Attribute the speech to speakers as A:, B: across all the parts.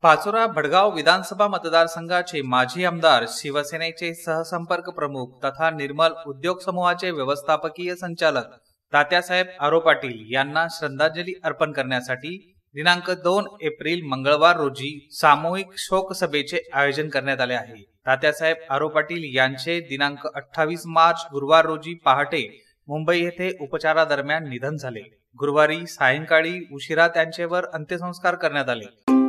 A: पाचोरा भडगाव विधानसभा मतदारसंघाचे माजी आमदार, शिवसेनेचे सहसंपर्क प्रमुख तथा निर्मल उद्योग समूहाचे व्यवस्थापकीय संचालक तात्यासाहेब आरो पाटील यांना श्रद्धांजली अर्पण करण्यासाठी दिनांक 2 एप्रिल मंगळवार रोजी सामूहिक शोक सभेचे आयोजन करण्यात आले आहे। तात्यासाहेब आरो पाटील यांचे दिनांक 28 मार्च गुरुवार रोजी पहाटे मुंबई येथे उपचारादरम्यान निधन झाले। गुरुवारी सायंकाळी उशिरा त्यांच्यावर अंत्यसंस्कार करण्यात आले।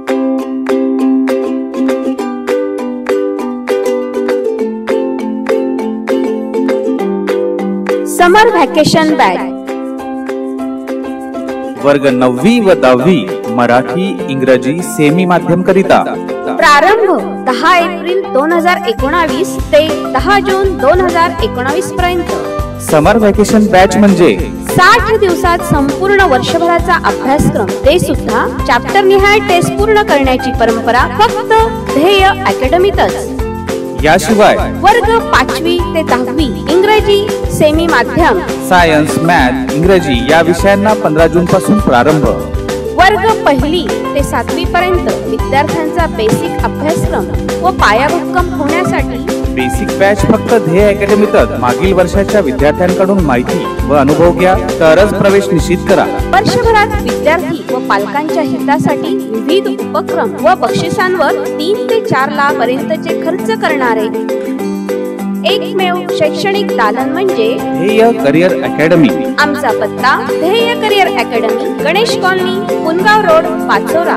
B: समर व्हॅकेशन बॅच
C: वर्ग 9वी व 10वी मराठी इंग्रजी सेमी माध्यम करिता
B: प्रारंभ 10 एप्रिल 2019 ते 10 जून 2019 पर्यंत।
C: समर व्हॅकेशन बॅच म्हणजे
B: 60 दिवसात संपूर्ण वर्षभराचा अभ्यासक्रम, ते सुद्धा चॅप्टर निहाय टेस्ट पूर्ण करण्याची परंपरा फक्त ध्येय अकॅडमीतच।
C: याशिवाय
B: वर्ग 5वी ते 10वी इंग्रजी सेमी माध्यम,
C: सायन्स, मॅथ, इंग्रजी या विषयांना 15 जून पासून प्रारंभ।
B: वर्ग 1ली ते 7वी पर्यंत विद्यार्थ्यांचा बेसिक अभ्यासक्रम व पायाभक्कम होण्यासाठी
C: बेसिक बॅच फक्त ध्येय अकॅडमीतच। मागील वर्षाच्या विद्यार्थ्यांकडून माहिती व अनुभव घ्या, तरच प्रवेश निश्चित करा।
B: वर्षभरात विद्यार्थी व पालकांच्या हितासाठी विविध उपक्रम व बक्षिसांवर 3 ते 4 लाख पर्यंतचे खर्च करणारे एकमेव शैक्षणिक दालन म्हणजे
C: ध्येय करिअर अकॅडमी।
B: आमचा पत्ता Dhyey career academy, Ganesh colony, Pungaon road, Pachora.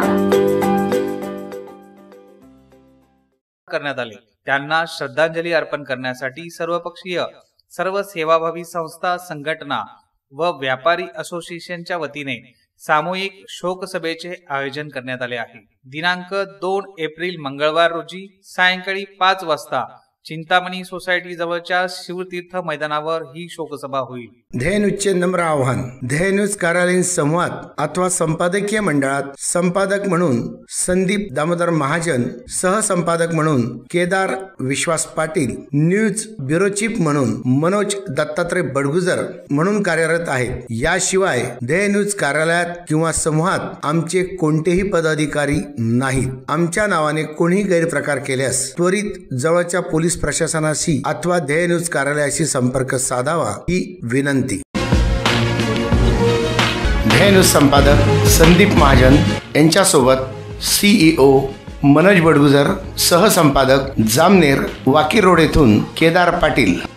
A: करण्यात आले। त्यांना श्रद्धांजली अर्पण करण्यासाठी सर्वपक्षीय, सर्व सेवाभावी संस्था, संघटना व व्यापारी असोसिएशनच्या वतीने सामूहिक शोक सभेचे आयोजन करण्यात आले आहे। दिनांक 2 एप्रिल मंगळवार रोजी सायंकाळी 5 वाजता चिंतामणी सोसायटी जवळच्या शिवतीर्थ मैदानावर ही शोकसभा होईल।
D: ध्येय न्यूजचे नम्र आव्हान, ध्येय न्यूज कार्यालयीन संवाद अथवा संपादकीय मंडळात संपादक म्हणून संदीप दामोदर महाजन, सहसंपादक म्हणून Kedar Vishwas Patil, news bureau chief म्हणून मनोज दत्तात्रय बडगुजर म्हणून कार्यरत आहेत। याशिवाय ध्येय न्यूज कार्यालयात किंवा समूहात आमचे कोणतेही पदाधिकारी नाहीत। आमच्या नावाने कोणीही गैरप्रकार केल्यास त्वरित जवळच्या पोलीस प्रशासनाशी अथवा ध्येय न्यूज कार्यालयाशी संपर्क साधावा ही विनंती। ध्येय न्यूज संपादक संदीप महाजन यांच्यासोबत CEO मनोज बडगुजर, सहसंपादक जामनेर वाकी रोड येथून केदार पाटील।